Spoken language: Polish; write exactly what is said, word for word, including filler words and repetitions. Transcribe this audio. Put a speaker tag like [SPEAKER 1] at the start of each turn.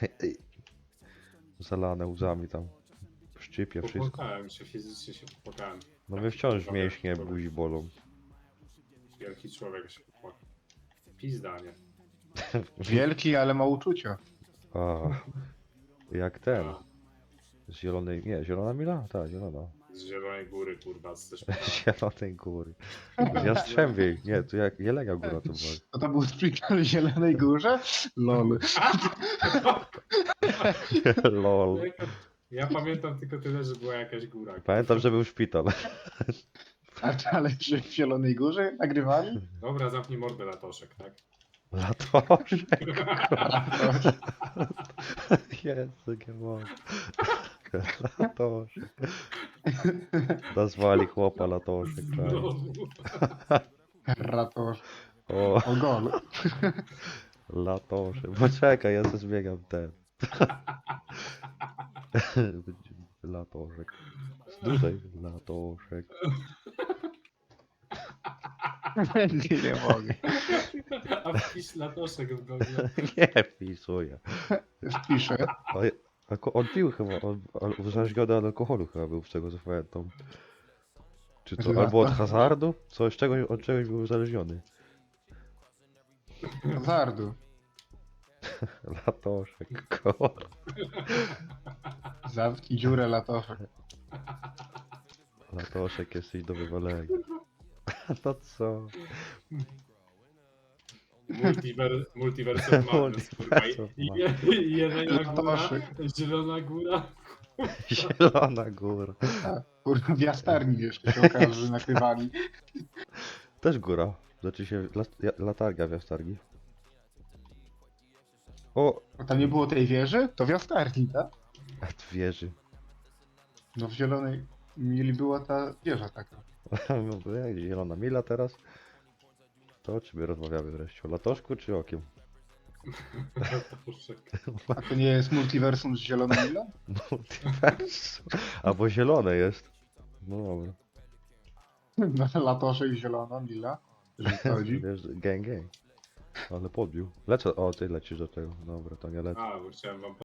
[SPEAKER 1] Zalane łzami tam. Szczypie wszystko.
[SPEAKER 2] Popłakałem się, fizycznie się popłakałem.
[SPEAKER 1] No
[SPEAKER 2] Tak,
[SPEAKER 1] mnie wciąż
[SPEAKER 2] kurwa,
[SPEAKER 1] mięśnie
[SPEAKER 2] wielki
[SPEAKER 1] buzi bolą.
[SPEAKER 2] człowiek- Wielki człowiek się popłakał. Pizda, nie?
[SPEAKER 3] Wielki, ale ma uczucia.
[SPEAKER 1] A, jak ten.
[SPEAKER 2] A,
[SPEAKER 1] Z zielonej. Nie, zielona mila? Tak, zielona.
[SPEAKER 2] z Zielonej Góry, kurwa, z
[SPEAKER 1] Z
[SPEAKER 2] szpitala.
[SPEAKER 1] zielonej góry. Z Jastrzębiej. Nie, to jak Jelenia Góra to była.
[SPEAKER 3] To to był szpital w Zielonej Górze? Lol.
[SPEAKER 1] Lol.
[SPEAKER 2] Ja pamiętam tylko tyle, że była jakaś góra.
[SPEAKER 1] Pamiętam, że był szpital.
[SPEAKER 3] A ale że w Zielonej Górze nagrywali?
[SPEAKER 2] Dobra, zamknij mordę, Latoszek, tak?
[SPEAKER 1] Latoszek. Jezu, nie mogę. Latoszek. Nazwali chłopa Latoszek. Tak.
[SPEAKER 2] Znowu.
[SPEAKER 3] Ratosz.
[SPEAKER 1] O,
[SPEAKER 3] O gol.
[SPEAKER 1] Latoszek. Poczekaj, ja sobie zmieniam ten. Latoszek. Dłużej. Latoszek.
[SPEAKER 3] Nie, nie mogę.
[SPEAKER 2] A wpisz Latoszek w Google.
[SPEAKER 1] Nie wpisuję.
[SPEAKER 3] Wpiszę.
[SPEAKER 1] A, a ko- on pił chyba, on, on uzależniony od alkoholu chyba był, z tego co pamiętam. Czy to,
[SPEAKER 3] Chyba
[SPEAKER 1] albo od
[SPEAKER 3] to.
[SPEAKER 1] hazardu? Coś, czegoś, od czegoś był uzależniony.
[SPEAKER 3] Zardu.
[SPEAKER 1] Latoszek, kur...
[SPEAKER 3] Zamknij dziurę latoszek.
[SPEAKER 1] Latoszek, jesteś do wywalenia. No co?
[SPEAKER 2] Multiver, Multiversum Madness, kurwa.
[SPEAKER 1] Multiversum
[SPEAKER 2] I- i- i Jelenia Góra,
[SPEAKER 3] Latoszek.
[SPEAKER 2] Zielona Góra.
[SPEAKER 1] Zielona góra.
[SPEAKER 3] Kurwa, w jastarni jeszcze się okaże, że nagrywali.
[SPEAKER 1] Też góra. Znaczy się lat, ja- latarnia w Jastarni. O!
[SPEAKER 3] A tam nie było tej wieży? To w jastarni, tak?
[SPEAKER 1] A wieży.
[SPEAKER 3] No w Zielonej Mili była ta wieża taka.
[SPEAKER 1] No, jak zielona mila teraz? To o czym my rozmawiamy wreszcie? O latoszku czy okiem?
[SPEAKER 2] Latoszek.
[SPEAKER 3] A to nie jest multiversum z Zieloną Milą?
[SPEAKER 1] Multiversum. Albo zielone jest. No dobra.
[SPEAKER 3] No, latoszek zielona Mila. Że chodzi.
[SPEAKER 1] Wiesz, gang gang. Ale podbił. Lecę, o ty lecisz do tego. Dobra, to nie lecę.
[SPEAKER 2] A, bo chciałem wam